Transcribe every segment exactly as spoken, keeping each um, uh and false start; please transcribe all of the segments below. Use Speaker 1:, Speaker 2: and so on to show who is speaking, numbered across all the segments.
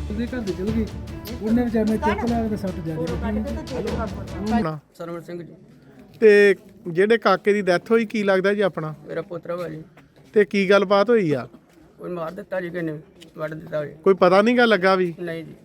Speaker 1: ਉਹਦੇ ਘਰ ਦੇ ਚਲ ਗਈ ਉਹਨੇ ਵਿਚਾਰੇ ਚੁੱਕ ਲਿਆ ਤੇ ਸੱਟ ਜ਼ਿਆਦਾ
Speaker 2: ਸਰਵਣ ਸਿੰਘ ਜੀ
Speaker 3: ਤੇ ਜਿਹੜੇ ਕਾਕੇ ਦੀ ਡੈਥ ਹੋਈ ਕੀ ਲੱਗਦਾ ਜੀ ਆਪਣਾ?
Speaker 2: ਮੇਰਾ ਪੁੱਤਰ ਵਾ ਜੀ।
Speaker 3: ਤੇ ਕੀ ਗੱਲਬਾਤ ਹੋਈ ਆ?
Speaker 2: ਕੋਈ ਮਾਰ ਦਿੱਤਾ ਜੀ ਕਿਨੇ ਵੱਢ ਦਿੱਤਾ ਜੀ?
Speaker 3: ਕੋਈ ਪਤਾ ਨਹੀਂ ਗਾ ਲੱਗਾ ਵੀ?
Speaker 2: ਨਹੀਂ ਜੀ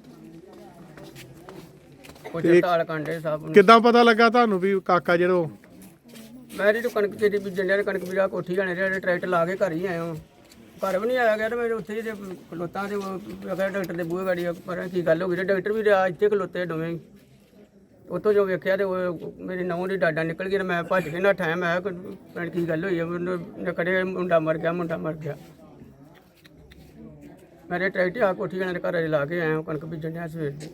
Speaker 2: ਕੋਈ ਤਾਲ ਕਾਂਡੇ ਸਾਹਿਬ
Speaker 3: ਕਿੱਦਾਂ ਪਤਾ ਲੱਗਾ ਤੁਹਾਨੂੰ ਵੀ ਕਾਕਾ ਜਿਹੜਾ ਉਹ?
Speaker 2: ਮੈਂ ਜੀ ਕਣਕ ਤੇਰੀ ਬੀਜਣ ਡਿਆ ਕਣਕ ਬੀਜਾ ਕੋਠੀ ਜਾਣੇ ਜਿਹੜੇ ਟਰੈਕਟਰ ਲਾ ਕੇ ਘਰ ਹੀ ਆਇਆ ਹਾਂ। ਘਰ ਵੀ ਨਹੀਂ ਆਇਆ ਗਿਆ ਤੇ ਮੇਰੇ ਉੱਥੇ ਜੇ ਖਲੋਤਾਂ ਦੇ ਅਗਰ ਡਾਕਟਰ ਦੇ ਬੂਹੇ ਗਾੜੀ ਪਰ ਕੀ ਗੱਲ ਹੋ ਗਈ ਡਾਕਟਰ ਵੀ ਰਿਹਾ ਇੱਥੇ ਖਲੋਤੇ ਦੋਵੇਂ। ਉੱਥੋਂ ਜੋ ਵੇਖਿਆ ਤੇ ਉਹ ਮੇਰੀ ਨਹੁੰ ਦੀ ਡਾਡਾ ਨਿਕਲ ਗਈ ਤੇ ਮੈਂ ਭੱਜ ਕੇ ਨੱਠਾ। ਮੈਂ ਕਿਹਾ ਕੀ ਗੱਲ ਹੋਈ ਹੈ? ਮੈਨੂੰ ਕੜੇ ਮੁੰਡਾ ਮਰ ਗਿਆ ਮੁੰਡਾ ਮਰ ਗਿਆ। ਮੇਰੇ ਟਰੈਕਟਰ ਆ ਕੋਠੀ ਜਾਣੇ ਦੇ ਘਰ ਲਾ ਕੇ ਆਇਆ ਕਣਕ ਬੀਜਣ ਡਿਆ ਸਵੇਰ ਦੀ।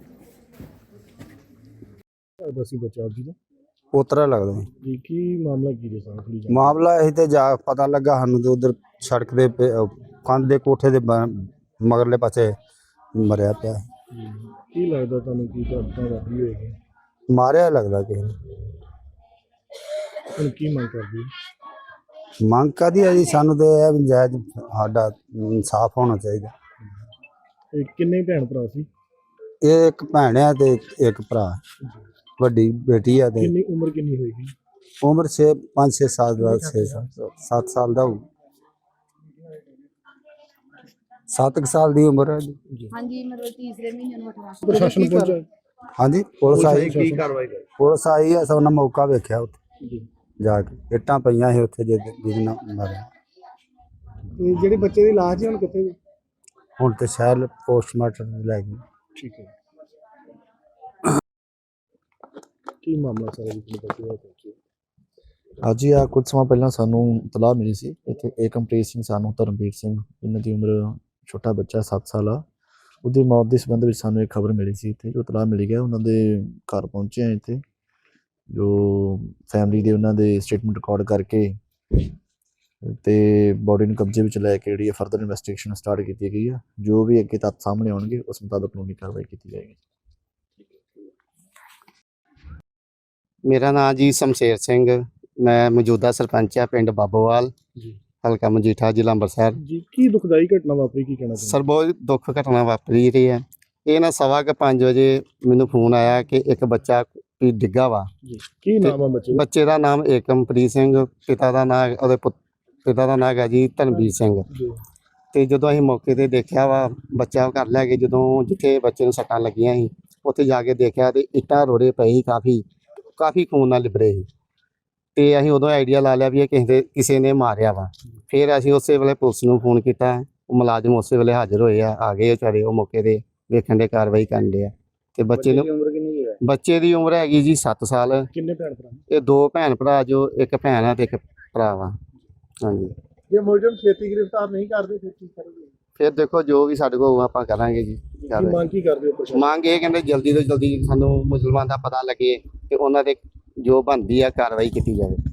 Speaker 1: ਬਸੀ ਬੱਚਾ ਜੀ ਦਾ
Speaker 4: ਪੋਤਰਾ ਲੱਗਦਾ
Speaker 1: ਜੀ। ਕੀ ਮਾਮਲਾ ਕੀ ਜੀ ਸਾਰਾ ਥੋੜੀ
Speaker 4: ਮਾਮਲਾ ਇਹ ਤੇ ਜਾ ਪਤਾ ਲੱਗਾ ਸਾਨੂੰ ਤੇ ਉਧਰ ਸੜਕ ਦੇ ਕੰਧ ਦੇ ਕੋਠੇ ਦੇ ਬ- ਮਗਰਲੇ ਪਾਸੇ ਮਰਿਆ ਪਿਆ।
Speaker 1: ਕੀ ਲੱਗਦਾ ਤੁਹਾਨੂੰ ਕੀ ਘਟਨਾ ਵਾਪਰੀ ਹੋਏਗੀ?
Speaker 4: ਮਾਰਿਆ ਲੱਗਦਾ ਕਿਸੇ ਨੇ।
Speaker 1: ਹੁਣ ਕੀ ਮੰਗ ਕਰਦੀ?
Speaker 4: ਮੰਗ ਕਾਹਦੀ ਹੈ ਜੀ? ਸਾਨੂੰ ਤੇ ਇਹ ਵੀ ਜਾਇਜ਼ ਸਾਡਾ ਇਨਸਾਫ ਹੋਣਾ ਚਾਹੀਦਾ।
Speaker 1: ਇਹ ਕਿੰਨੇ ਭੈਣ ਭਰਾ ਸੀ?
Speaker 4: ਇਹ ਇੱਕ ਭੈਣ ਆ ਤੇ ਇੱਕ ਭਰਾ, ਵੱਡੀ ਬੇਟੀ ਆ ਤੇ
Speaker 1: ਕਿੰਨੀ ਉਮਰ ਕਿੰਨੀ ਹੋਏਗੀ?
Speaker 4: ਉਮਰ ਛੇ ਪੰਜ ਛੇ ਸਾਲ ਦਾ ਛੇ ਸੱਤ ਸਾਲ ਦਾ ਹੋਊ। ਸੱਤ ਕੁ ਸਾਲ ਦੀ ਉਮਰ ਹੈ ਜੀ।
Speaker 5: ਹਾਂਜੀ ਮਤਲਬ ਤੀਸਰੇ ਮਹੀਨੇ ਨੂੰ ਅਠਾਰਾਂ
Speaker 1: ਪ੍ਰਸ਼ਾਸਨ ਪਹੁੰਚਾ?
Speaker 4: ਹਾਂਜੀ ਪੁਲਿਸ ਆਈ।
Speaker 1: ਕੀ ਕਾਰਵਾਈ ਕਰ?
Speaker 4: ਪੁਲਿਸ ਆਈ ਆ, ਸਭ ਨੇ ਮੌਕਾ ਵੇਖਿਆ ਉੱਥੇ
Speaker 1: ਜੀ।
Speaker 4: ਜਾ ਕੇ। ਇੱਟਾਂ ਪਈਆਂ ਸੀ ਉੱਥੇ ਜਿਹਦੇ ਜਿਹਦੇ ਨਾਲ ਮਾਰਿਆ।
Speaker 1: ਤੇ ਜਿਹੜੇ ਬੱਚੇ ਦੀ ਲਾਸ਼ ਹੈ ਹੁਣ ਕਿੱਥੇ ਜੀ?
Speaker 4: ਹੁਣ ਤੇ ਸ਼ਾਇਦ ਪੋਸਟਮਾਰਟਮ ਲੈ ਗਏ।
Speaker 1: ਠੀਕ ਹੈ। ਕੀ ਮਾਮਲਾ ਸਾਰਾ ਜੀ ਤੁਹਾਨੂੰ ਬੱਚੇ ਦਾ ਪਹੁੰਚੇ?
Speaker 6: ਅੱਜ ਹੀ ਆ ਕੁਝ ਸਮਾਂ ਪਹਿਲਾਂ ਸਾਨੂੰ ਇਤਲਾਹ ਮਿਲੀ ਸੀ ਇੱਥੇ ਏਕਮਪ੍ਰੀਤ ਸਿੰਘ ਸਾਨੂੰ ਧਰਮਵੀਰ ਸਿੰਘ, ਇਹਨਾਂ ਦੀ ਉਮਰ ਛੋਟਾ ਬੱਚਾ ਸੱਤ ਸਾਲ ਆ, ਉਹਦੀ ਮੌਤ ਦੇ ਸੰਬੰਧ ਵਿੱਚ ਸਾਨੂੰ ਇੱਕ ਖਬਰ ਮਿਲੀ ਸੀ। ਇੱਥੇ ਜੋ ਇਤਲਾਹ ਮਿਲੀ ਗਿਆ ਉਹਨਾਂ ਦੇ ਘਰ ਪਹੁੰਚੇ ਆ। ਇੱਥੇ ਜੋ ਫੈਮਿਲੀ ਦੇ ਉਹਨਾਂ ਦੇ ਸਟੇਟਮੈਂਟ ਰਿਕਾਰਡ ਕਰਕੇ ਤੇ ਬੋਡੀ ਨੂੰ ਕਬਜ਼ੇ ਵਿੱਚ ਲੈ ਕੇ ਜਿਹੜੀ ਫਰਦਰ ਇਨਵੈਸਟੀਗੇਸ਼ਨ ਸਟਾਰਟ ਕੀਤੀ ਗਈ ਆ। ਜੋ ਵੀ ਅੱਗੇ ਤੱਥ ਸਾਹਮਣੇ ਆਉਣਗੇ ਉਸ ਮੁਤਾਬਕ ਕਾਨੂੰਨੀ ਕਾਰਵਾਈ ਕੀਤੀ ਜਾਏਗੀ।
Speaker 7: ਮੇਰਾ ਨਾਮ ਜੀ ਸ਼ਮਸ਼ੇਰ ਸਿੰਘ, ਮੈਂ ਮੌਜੂਦਾ ਸਰਪੰਚ ਆ ਪਿੰਡ ਬਾਬੋਵਾਲ,
Speaker 1: ਜੀ।
Speaker 7: ਹਲਕਾ ਮਜੀਠਾ, ਜ਼ਿਲ੍ਹਾ ਅੰਮ੍ਰਿਤਸਰ।
Speaker 1: ਜੀ ਕੀ ਦੁਖਦਾਈ ਘਟਨਾ ਵਾਪਰੀ, ਕੀ ਕਹਿਣਾ ਚਾਹੁੰਦੇ?
Speaker 7: ਸਰ ਬਹੁਤ ਦੁੱਖ ਘਟਨਾ ਵਾਪਰੀ ਰਹੀ ਹੈ। ਇਹ ਨਾ ਸਵਾ ਕੁ ਪੰਜ ਵਜੇ ਮੈਨੂੰ ਫੋਨ ਆਇਆ ਕਿ ਇੱਕ ਬੱਚਾ ਵੀ ਡਿੱਗਾ ਵਾ।
Speaker 1: ਜੀ। ਕੀ ਨਾਮ ਆ ਬੱਚੇ ਦਾ?
Speaker 7: ਬੱਚੇ ਦਾ ਨਾਮ ਏਕਮਪ੍ਰੀਤ ਸਿੰਘ, ਪਿਤਾ ਦਾ ਨਾਮ ਉਹਦੇ ਪੁੱਤ ਪਿਤਾ ਦਾ ਨਾਮ ਹੈਗਾ ਜੀ ਧਰਮਵੀਰ ਸਿੰਘ।
Speaker 1: ਜੀ।
Speaker 7: ਤੇ ਜਦੋਂ ਅਸੀਂ ਮੌਕੇ ਤੇ ਦੇਖਿਆ ਵਾ ਬੱਚਾ ਘਰ ਲੈ ਕੇ, ਜਦੋਂ ਜਿੱਥੇ ਬੱਚੇ ਨੂੰ ਸੱਟਾਂ ਲੱਗੀਆਂ ਸੀ ਉੱਥੇ ਜਾ ਕੇ ਦੇਖਿਆ ਤੇ ਇੱਟਾਂ ਰੋੜੇ ਪਏ ਸੀ, ਕਾਫੀ ਕਾਫੀ ਖੂਨ ਨਾਲ ਲਿਬੜੇ ਸੀ। ਤੇ ਅਸੀਂ ਉਦੋਂ ਆਈਡੀਆ ਲਾ ਲਿਆ ਵੀ ਇਹ ਕਿਸੇ ਦੇ ਕਿਸੇ ਨੇ ਮਾਰਿਆ ਵਾ। ਫਿਰ ਅਸੀਂ ਉਸੇ ਵੇਲੇ ਪੁਲਿਸ ਨੂੰ ਫੋਨ ਕੀਤਾ, ਉਹ ਮੁਲਾਜ਼ਮ ਉਸੇ ਵੇਲੇ ਹਾਜ਼ਰ ਹੋਏ ਆ, ਆ ਗਏ ਵਿਚਾਰੇ ਉਹ ਮੌਕੇ ਤੇ ਵੇਖਣ ਦੇ ਕਾਰਵਾਈ ਕਰਨ ਦੇ ਆ। ਤੇ ਬੱਚੇ ਨੂੰ
Speaker 1: ਉਮਰ ਕਿੰਨੀ ਹੈ?
Speaker 7: ਬੱਚੇ ਦੀ ਉਮਰ ਹੈਗੀ ਜੀ ਸੱਤ ਸਾਲ।
Speaker 1: ਕਿੰਨੇ ਭੈਣ ਭਰਾ?
Speaker 7: ਇਹ ਦੋ ਭੈਣ ਭਰਾ, ਜੋ ਇੱਕ ਭੈਣ ਆ ਤੇ ਇੱਕ ਭਰਾ ਵਾ। ਹਾਂਜੀ।
Speaker 1: ਜੇ ਮੁਲਜ਼ਮ ਛੇਤੀ ਗ੍ਰਿਫਤਾਰ ਨਹੀਂ ਕਰਦੇ ਫਿਰ ਕੀ ਕਰੋਗੇ?
Speaker 7: ਫਿਰ ਦੇਖੋ ਜੋ ਵੀ ਸਾਡੇ ਕੋਲ ਆਪਾਂ ਕਰਾਂਗੇ ਜੀ।
Speaker 1: ਕੀ ਮੰਗ ਕੀ ਕਰਦੇ ਹੋ ਪ੍ਰਸ਼ਾਸਨ?
Speaker 7: ਮੰਗ ਇਹ ਕਹਿੰਦੇ ਜਲਦੀ ਤੋਂ ਜਲਦੀ ਸਾਨੂੰ ਮੁਸਲਮਾਨ ਦਾ ਪਤਾ ਲੱਗੇ ਤੇ ਉਹਨਾਂ ਦੇ ਜੋ ਬਣਦੀ ਆ ਕਾਰਵਾਈ ਕੀਤੀ ਜਾਵੇ।